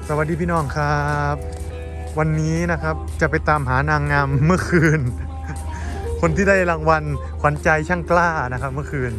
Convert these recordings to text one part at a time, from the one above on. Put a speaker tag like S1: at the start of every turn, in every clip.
S1: สวัสดีพี่น้องครับวันนี้นะครับจะไปตามหานางงามเมื่อคืน คนที่ได้รางวัลขวัญใจช่างกล้านะครับเมื่อคืน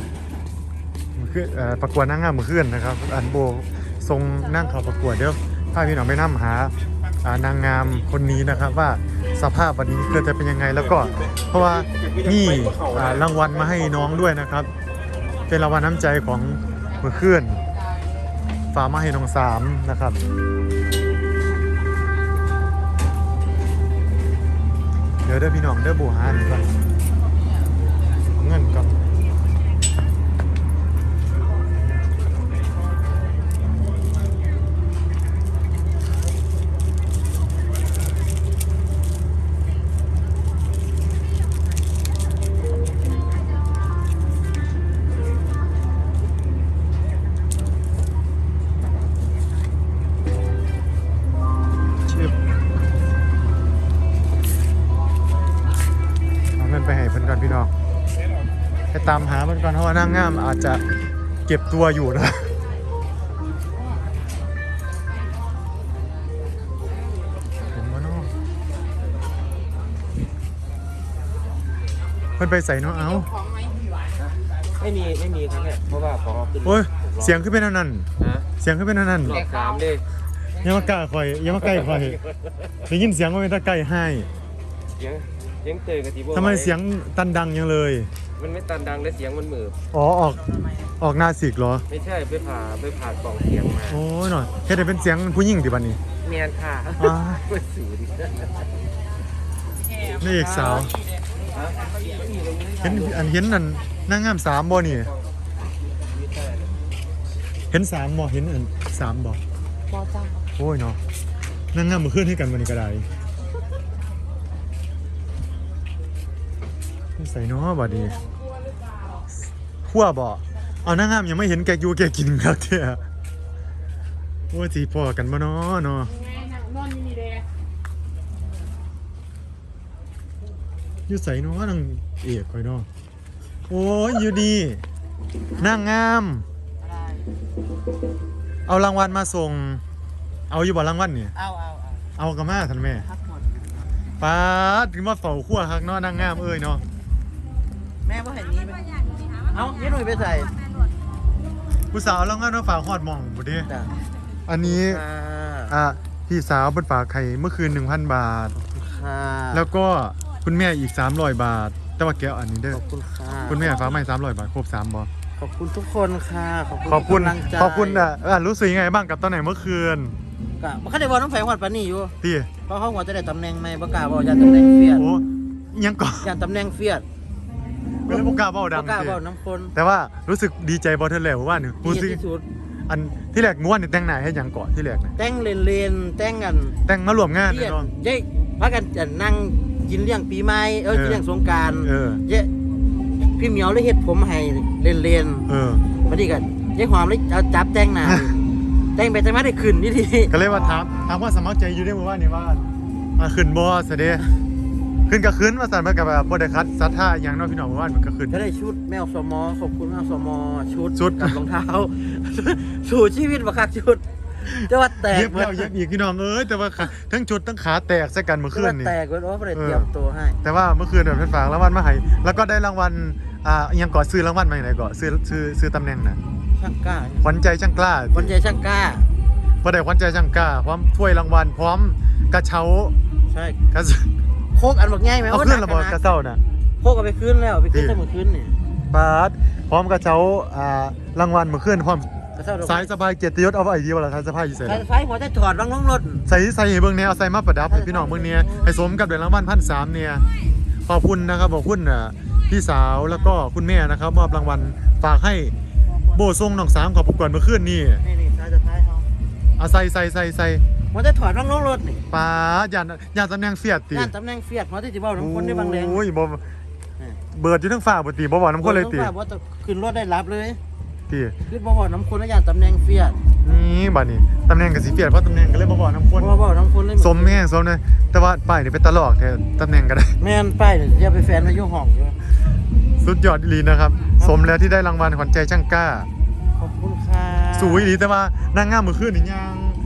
S1: ประกวดนางงามเมื่อคืนนะครับอันโบทรงนั่งเขาประกวดเดี๋ยวพาพี่น้องไปนำหานางงามคนนี้นะครับว่าสภาพวันนี้เกิดจะเป็นยังไงแล้วก็เพราะว่านี่รางวัลมาให้น้องด้วยนะครับเป็นรางวัลน้ำใจของเมื่อคืนฝากมาให้น้องสามนะครับเดี๋ยวพี่น้องเบูหานก่อนเงินก่อนไปให้เพิ่นก่อนพี่น้องไปตามหาเพิ่นก่อนเพราะว่านางงามอาจจะเก็บตัวอยู่นะเห็นบ่เนาะเพิ่นไปใส่เนาะเอ้า
S2: ไม่มีครับเนี่ยเพราะว่าของขึ้น
S1: โอ้ยเสียงขึ้นเป็นอันนั้นเสียงขึ้นเป็นอันนั้น
S2: หลอกสามเลย
S1: ยังมาใกล้ข่อยยังมาใกล้ข่อยได้ยินเสียงว่าเป็นตะไก่ให้
S2: ยังเตยกับทีโบ
S1: ทำไมเสียงตันดังยังเลย
S2: มันไม่ตันดังและเสียงมันหมือ
S1: อ๋อออกหน้าสิกเหรอ
S2: ไม่ใช่ไปผ่ากล่องเสียงมา
S1: โอ้ยหน่อยเฮ็ดให้เป็นเสียงผู้หญิงดิบัดนี้
S2: เมียนค่ะเปิดสูดิ
S1: นี่เอกสาวเห็นนั่นนางงาม3บ่นี่เห็น3บ่เห็นอัน3บ่
S3: จ้า
S1: โอ้ยเนาะนางงามมาขึ้นให้กันวันนี้ก็ได้ใส่เนาะบัดนี้ขั้วบ่เอานางงามยังไม่เห็นแกอยู่แกกินครับเที่ยโอ้ยสิพอกันบ่เนาะเนาะอยู่ใส่เนาะนางเอกข่อยเนาะโอ้ยอยู่ดีนางงามเอารางวัลมาส่งเอาอยู่บ่รางวัลนี่เอากระมาท่านแม่ป้าถึงมาเฝ้าขั้วฮักเนาะนางงามเอ้ยเนาะ
S3: แม่ว่าเห็นนี้ไหมเอ้าเย็นหน่อยไปใส่
S1: ผู้สาวรางวัลมาฝากฮอดหม่องบ่เด้อันนี้พี่สาวเพิ่นฝากไข่เมื่อคืน 1,000 บาทแล้วก็คุณแม่อีก300 บาทแต่ว่าแกอันนี้เด้อ
S3: ขอบคุณค่ะ
S1: คุณแม่ฝากมา300 บาทครบ3บ่
S3: ขอบคุณทุกคนค่ะ
S1: ขอบคุณรู้สึกยังไงบ้างกับตอนไหนเมื่อคืน
S3: ก็บ่คันได้บอกน้องแฝงฮอดปานนี้อยู่
S1: พี่
S3: เพราะเขาว่าจะได้ตำแหน่งใหม่บ่กล้าบอกย่านตำแหน่งเฟียด
S1: โอ้ยังก่อน
S3: ย่านตำแหน่งเฟียด
S1: ไม่ได้บ่กล้าเว้าดัง
S3: บ่กล้าเว้าน้ำคน
S1: แต่ว่ารู้สึกดีใจบ่เท่าแล้วว่านี่รู้สึกอันที่แรกม่วนนี่แต่งหน้าให้หยังก่อนที่แรกนะ
S3: แต่งเลนแต่งกัน
S1: แต่งมาร่วมงานเนาะ
S3: เย้พากันจะนั่งกินเลี้ยงปีใหม่กินเลี้ยงสงกรานต์เย้พี่เหมียวเลยเฮ็ดผมให้เลนบัดนี้ก็ยายหอมเลยเอาจับแต่งหน้าแต่งไปแต่งมาได้ขึ้นนี่ที
S1: ก็เลยว่าถามว่าสมัครใจอยู่ได้บ่ว่านี่ว่าขึ้นบ่ซะเด้ขึ้นก็ขึ้นว่าสั่นมันก็แบบบ่ได้คัดศรัทธาหยังเนาะพี่น้องว่ามันก็ขึ้น
S3: ก็ได้ชุดแมวสมอขอบคุณแมวสมอชุดกับรองเท้าสู่ชีวิตบ่คักชุดแต่ว่าแตก
S1: เย็บแล้วเย็บอีกพี่น้องแต่ว่าทั้งชุดทั้งขาแตกใส่กันเมื่อคืนนี่
S3: แตกเว้ยบ่ได้เตรียมตัวให้
S1: แต่ว่าเมื่อคืนเพิ่นฝากรางวัลมาให้แล้วก็ได้รางวัลยังก่อซื้อรางวัลมาไหนก่อซื้อตำแหน่งน่ะ
S3: ช่างกล้า
S1: ขวัญใจช่างกล้า
S3: ขวัญใจช่างกล้า
S1: บ่ได้ขวัญใจช่างกล้าพร้อมถ้วยรางวัลพร้อมกระเช้า
S3: ใช่โคกอันบักใหญ่มั้ย
S1: เอาขึ้นระเบิดกระเช้าน่ะ
S3: โคกเอาไปคืนแล้วไปคืนแต่เมื่อคืนนี่
S1: ปาดพร้อมกระเช้ารางวัลเมื่อคืนพร้อมสายสบายเกียรติยศเอาไว้ดีบ่ล่ะสายสบายอยู่ไส
S3: สายหัวจะถอดวางลงรถ
S1: ใส่ให้เบิ่งแนวใส่มาประดับให้พี่น้องเบิ่งเนี่ยให้สมกับได้รางวัล 1,300 เนี่ยขอบคุณนะครับขอบคุณพี่สาวแล้วก็คุณแม่นะครับมอบรางวัลฝากให้โบทรงน้องสามขอบประกวดเมื่อคืนนี่
S3: สายจะท้ายเฮา
S1: ใส่
S3: หัวจะถอดวางลงรถนี่
S1: ป้าย่านตำแหน่งเฟียดติ
S3: ย่านตำแหน่งเฟียดหัวที่สิเว้าน้ำคนได้บางแรง
S1: โอ้ยบ่เบิดอยู่ทั้งฟ้าบ่ติบ่เว้าน้ำคนเลยติ
S3: บ่ขึ้นรถได้รับเลย
S1: ติ
S3: คือบ่เว้าน้ำคนแล้วย่านตำแหน่งเฟียด
S1: นี่บัดนี้ตำแหน่งก็สิเฟียดเพราะตำแหน่งก็เลยบ่เว้าน้ำคน
S3: บ่เว้าน้ำคนเลย
S1: สมแม่สมนะแต่ว่าป้ายนี่เป็นตลอกแท้ตำแหน่งก็ได้
S3: แม่นป้ายนี่อย่าไปแฟนมาอยู่ห้องอยู่
S1: สุดยอดอีหลีนะครับสมแล้วที่ได้รางวัลขวัญใจช่างกล้า
S3: ขอบคุณค่ะ
S1: สวยอีหลีแต่ว่านางงามเมื่อคืนนี่ยัง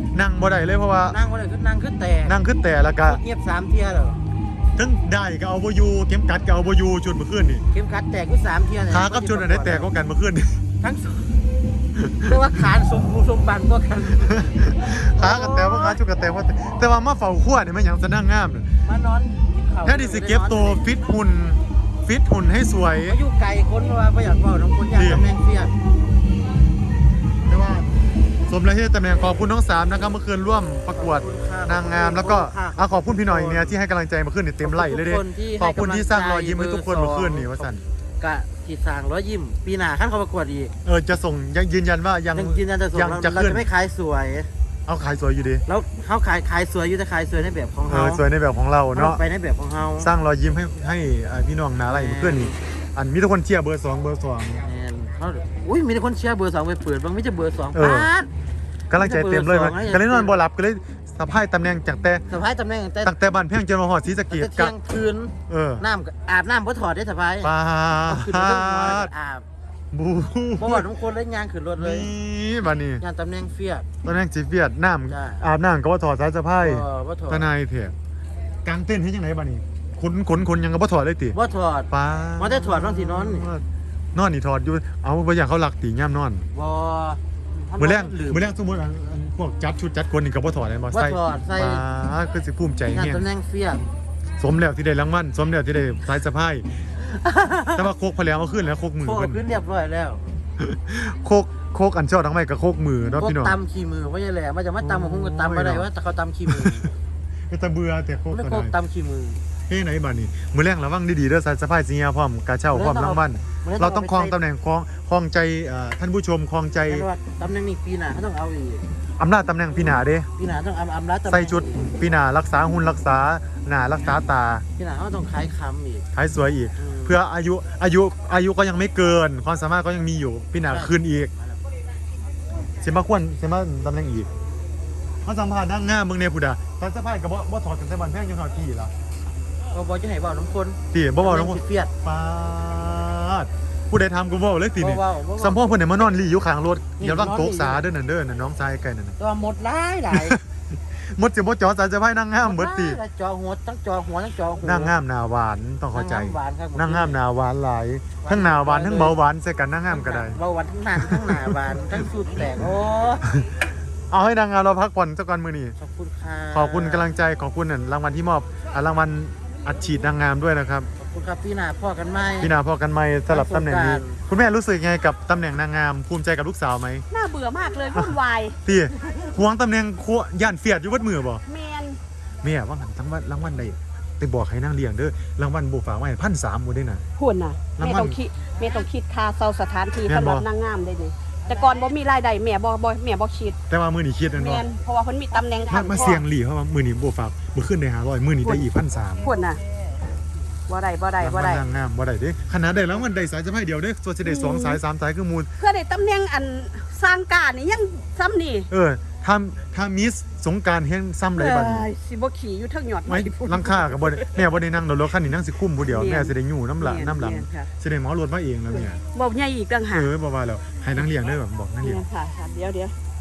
S1: นั่งบ่ได้เลยเพราะว่า
S3: นั่งบ่ได้คือนั่งคือแตก
S1: นั่งขึ้นแต่แล้วก็
S3: เงียบ3เที่ยแล้ว
S1: ทั้งได้ก็เอาบ่อยู่เข็มกัดก็เอาบ่อยู่จุดเมื่อคืนนี่
S3: เข็มขัดแตกคือ3เที่ยเนี่ย
S1: ขากับจุดอันไหนแตกกว่ากันเมื่อคืนนี่
S3: ทั้งสองเรียกว่าขาสมบูรณ์สมบันกว่ากัน
S1: ขากับแต่ว่าขาจุดกับแต่ว่าแต่ว่ามาเฝ้าขั้วนี่มันหยังจะนั่งงามน่ะ
S3: มานอนกินข้าว
S1: แค่ดิสิเก็บตัวฟิตหุ่นให้สวย
S3: มาอยู่ไกลคนว่าบ่อยากเว้าน้องคนอยากตำแหน่งเฟียด
S1: แต่ว่าสมแล้วที่ตำแหน่งขอบคุณน้องสามนะครับเมื่อคืนร่วมประกวดนางงามแล้วก็ขอบคุณพี่หน่อยเนี่ยที่ให้กำลังใจเมื่อคืนนี่เต็มไหลเลยเด้ขอบคุณที่สร้างรอยยิ้มให้ทุกคนเมื่อคืนนี่ว่าสั่น
S3: กะที่สร้างรอยยิ้มปีหน้าคันเขาประกวดอีก
S1: จะส่งยังยืนยันว่ายัง
S3: ยืนยันจะส่ง
S1: ยัง
S3: เรา
S1: จะ
S3: เรา
S1: ขึ้น
S3: จะไม่ขายสวย
S1: เอาขายสวยอยู่ดี
S3: แล้วเขาขายสวยอยู่แต่ขายสวยในแบบของเขา
S1: สวยในแบบของเราเนาะ
S3: ไปในแบบของเขา
S1: สร้างรอยยิ้มให้พี่น้องนาไรเมื่อคืนนี่อันมีทุกคนเชียร์เบอร์ 2เบอร์ 2
S3: แม่นเขาอุ้ยมีแต่คนเชียร์เบอร์2ไปเปิดบางไม่ใช่เบอร์2
S1: เออ
S3: ปาด
S1: กำลังใจเต็มเลยมันก็เลยนอนบ่หลับก็เลยสะพายตำแหน่งจากแต่
S3: สะพายตำแหน่งแต่
S1: ตั้งแต่บ้านเพียงจนมาหอดศรีสะเก
S3: แต่
S1: ษ
S3: เที่ยงคืน น้ำอาบน้ำบ่ถอดได้สะพาย
S1: ปา
S3: ขึ้นไปเรื่องหัวแล้ว
S1: ด
S3: ก็อาบ
S1: บู
S3: บ่ว่าทุกคนเล่นยางขึ้นรถเลย
S1: นี่บ้านนี้
S3: ยางตำแหน่งเฟียด
S1: ตำแหน่งจีเฟียดน้
S3: จ้ะ
S1: ำอาบน้ำก็ว่าถอดสายสะพาย
S3: บ่ถอด
S1: ทนายเถอะกางเต้นให้ยังไงบ้านนี้ขนยังก็บ่ถอดเลยติ
S3: บ่ถอด
S1: ป้า
S3: บ่ได้ถอดบางทีนอนนี่
S1: นอนนี่ถอดอยู่เอาไปอย่างเขาหลักตีย่ำนอน
S3: บ่
S1: มื้อแรก
S3: ลืม
S1: มื้อแรกสมมุติอันพวกจัดชุดจัดคนนี่ก็บ่ถอดเลยบ่
S3: บ่
S1: ใส่
S3: ถอดใส่
S1: ป้าคือสิภูมิใจ
S3: งาน
S1: เฮีย
S3: ตำแหน่งเฟียด
S1: สมแล้วที่ได้รางวัลสมแล้วที่ได้สายสะพาย แต่ว่าโคกพะแล้วเอาขึ้นแล้วโคกมือ
S3: โค
S1: เพิ่น
S3: ขึ้นเรียบร้อยแล้ว
S1: โคกอันเช่าทั้งไม่กับโคกมือเนาะ
S3: พวก
S1: พี่น้อง
S3: ตำขี้มือว่าอย่างไรมันจะมาตำของคุณก็ตำไม่ได้ว่าแต่เขาตำขี้มือ
S1: ก็จะเบื่อแต่โคก
S3: ไม่
S1: ก็
S3: โคก
S1: ได้
S3: ตำขี้มือ
S1: เฮ้ยไหนบ้านนี้มื้อแรงระวังดีๆเด้อสายสะพายสิเฮียพร้อมกาเช่าพร้อมรางวัลเราต้องครองตำแหน่งครองใจท่านผู้ชมครองใจ
S3: แต่ว่าตำแหน่งนี้ปีหน้าเขาต้องเอาอีก
S1: อำนาจตำแหน่งพี่หนาเด้
S3: ปีหน้าต้องอำลาตำแหน่ง
S1: ใส่ชุดพี่หนารักษาหุ่นรักษาหนารักษาตา
S3: ปีหน้าเขาต้องขายคำอีก
S1: ท้ายสวยอีก เพื่ออายุก็ยังไม่เกิน ความสามารถก็ยังมีอยู่พี่หนาคืนอีกเสียมาควรเสียมาตำแหน่งอีกเขาสัมภาษณ์นั่งง่ามเมืองเนพุดาตอนสะพายกับบ่ถอดกันแต่บันแพงยังถอดพี่ล่ะ
S3: ก็บอกจะให้บอกน้ำคน
S1: พี่บ่บอกน้อง
S3: เฟียด
S1: ปาดผู้ใดทำกูบอกเลยสินี่
S3: ว่า
S1: สัมพ่อเพิ่นไหนมานอนรีอยู่ข้างรถเดี๋ยวร่างโต๊ะสาเด้อนั่นเด้อนั่นน้องชายไก่นั่นน่ะ
S3: ตัวหมดหลาย
S1: หมดสิบ่จอสายสะพายนั่งง่ามเบิดติ
S3: จอหัวทั้งจอหัวทั้งจอหัว
S1: นั่งง่ามหน้าหวานต้องเข้าใจ
S3: หวานครับ
S1: นั่งง่ามหน้าหวานหลายทั้งหน้าหวานทั้งเบาหวานใส่กันนั่งง่ามก็ได้
S3: เบาหวานทั้งหนักทั้งหนาหวานทั้งสุดแตกโอ้
S1: เอาให้นางงามเราพักผ่อนสักวันมื้อนี้
S3: ขอบคุณค่ะ
S1: ขอบคุณกำลังใจขอบคุณรางวัลที่มอบรางวัลอัดฉีดนางงามด้วยนะครับ
S3: ขอบคุณครับพี่นาพ่อกันไหม
S1: พี่นาพอกันไหมสลับตำแหน่งนี้
S3: สงกรานต์
S1: คุณแม่รู้สึกไงกับตำแหน่งนางงามภูมิใจกับลูกสาวไหม
S4: น่าเบื่อมากเลยวุ่นวาย
S1: พี่หวงตำแหน่งย่านเฟียดอยู่วัดมือบ่
S4: แมน
S1: แม่ว่าหันทั้งวันรางวัลใดไปบอกให้นางเลี้ยงเด้อรางวัลบ่ฝากไว้1,300บ่ได้น่ะ
S4: หุ่นน่ะ
S1: ราง
S4: แม่
S1: วัล
S4: ต้องคิดค่าเซาสถานที่
S1: แม่น
S4: สำหรับ
S1: บ่
S4: นางงามได้นี่แต่ก่อนบ่มีรายได้แม่บ่คิด
S1: แต่ว่ามื้อนี้คิดแม่น
S4: แม
S1: บ่
S4: นเพราะว่าเพิ่นมีตำแหน่ง
S1: มาเสี่ยงหลีเพราะว่ามื้อนี้บ่ฝากมื้อขึ้นได้500มื้อนี้ได้อีก1,300
S4: หุ่นน่ะบ่ได้
S1: รางวัลนางงามบ่ได้เด้ขนาดได้รางวัลได้สายสะพายเดียวเด้ส่วนสิได้2สาย3สายคือมูล
S4: เพื่อได้ตำแหน่งอันสร้างการนี่ยังซ้ำนี่
S1: ถ้ามิสสงกรารเฮ็ดซ้ำไรบัดนี้
S4: สิบ่ขี่อยู่เทิงยอด
S1: ไม่ลังค่ากับบ่ได้แม่บ่ได้นั่งรถคันนี้นั่งสิคุ้มผู้เดียวแม่สิได้อยู่น้ำหลัง
S4: ค่ะ
S1: สิได้หมอรถมาเองแล้วเนี่ย
S4: บ่ใหญ่อีกต่างหาก
S1: บ่ว่าแล้วให้นั่งเลี้ยงเด้อแบบบอกนั่งเลี้ยง
S4: ค่ะเดี๋ยว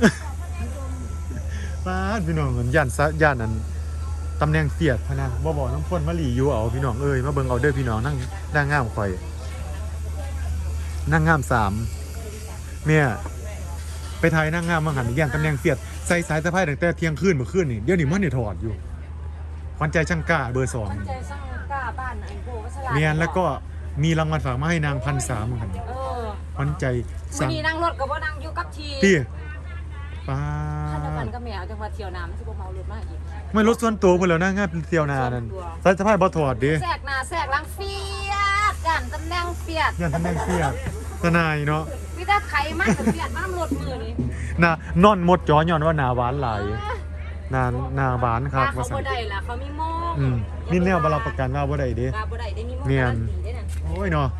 S1: ป้าดพี่น้องย่านนั้นตำแหน่งเฟียดพะนะบ่บอกน้ำพ่นมาหลีอยู่เอาพี่น้องเอ้ยมาเบิ่งเอาเด้อพี่น้องนั่งนางงามข่อยนางงาม3แม่ไปถ่ายนางงามมาหันย่านตำแหน่งเฟียดใส่สายสะพายตั้งแต่เที่ยงคืนเมื่อคืนนี่เดี๋ยวนี้มันได้ถอดอยู่ขวัญใจช่างกล้าเบอร์2
S5: ใจสร้างกล้าบ้านอันโบวัชรา
S1: เมียนแล้วก็มีรางวัลฝากมาให้นาง1,300เหมือนกัน
S5: เออ
S1: ขวัญใจ
S5: วั
S1: สั่
S5: น
S1: ง
S5: นี้นั่งรถกับว่านั่งอยู่กับที
S1: พี่ป้า
S5: ขันกันก็แมวจังหวัดเที่ยวน้ำที่พวกเมารถมากอีก
S1: ไม่รถส่วนตัวเพื่อนแล้วนะง่ายเป็นเที่ยวนานั่นสายสะพายบ่ถอดดิ
S5: แทรกหน้าแทรกหลังเฟียดกันตำแหน่งเฟียด
S1: ย่านตำแหน่งเฟียดทนายเนาะ
S5: พี่ตาไขมากกับเฟียดมากรถมือนี่
S1: น่ะนอนหมดจอย้อนว่าหนาหวานหลายหนาหวานครับ
S5: เขา
S1: ว่าซั่
S5: บ่
S1: น
S5: ได้ล่ะเขามีโม่
S1: มีแนวบารับประกันว่าบ่ได้เด้
S5: กาบ่ได้ได้มีโม่
S1: เนียน
S5: การันตีได้น่ะ
S1: โอ้ยเนาะ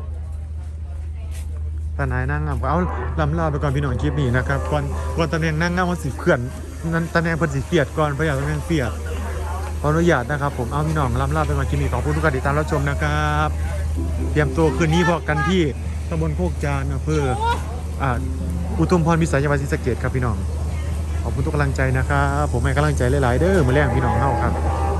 S1: ทนายนั่งงามเอาลำลาไปก่อนพี่น้องคลิปนี้นะครับก่อนตำแหน่งนั่งงามมันสิเขื่อนนั้นตำแหน่งเพิ่นสิเฟียดก่อนเพราะอยากตำแหน่งเฟียดขออนุญาตนะครับผมเอาพี่น้องลำลาไปก่อนคลิปนี้ขอบคุณทุกการติดตามรับชมนะครับเตรียมตัวคืนนี้พอกันที่ตำบลโคกจานอำเภออุทุมพรวิสัยจังหวัดศรีสะเกษครับพี่น้องขอบขอบคุณทุกกำลังใจนะครับผมให้กำลังใจหลายๆเด้อมื้อแรงพี่น้องเฮาครับ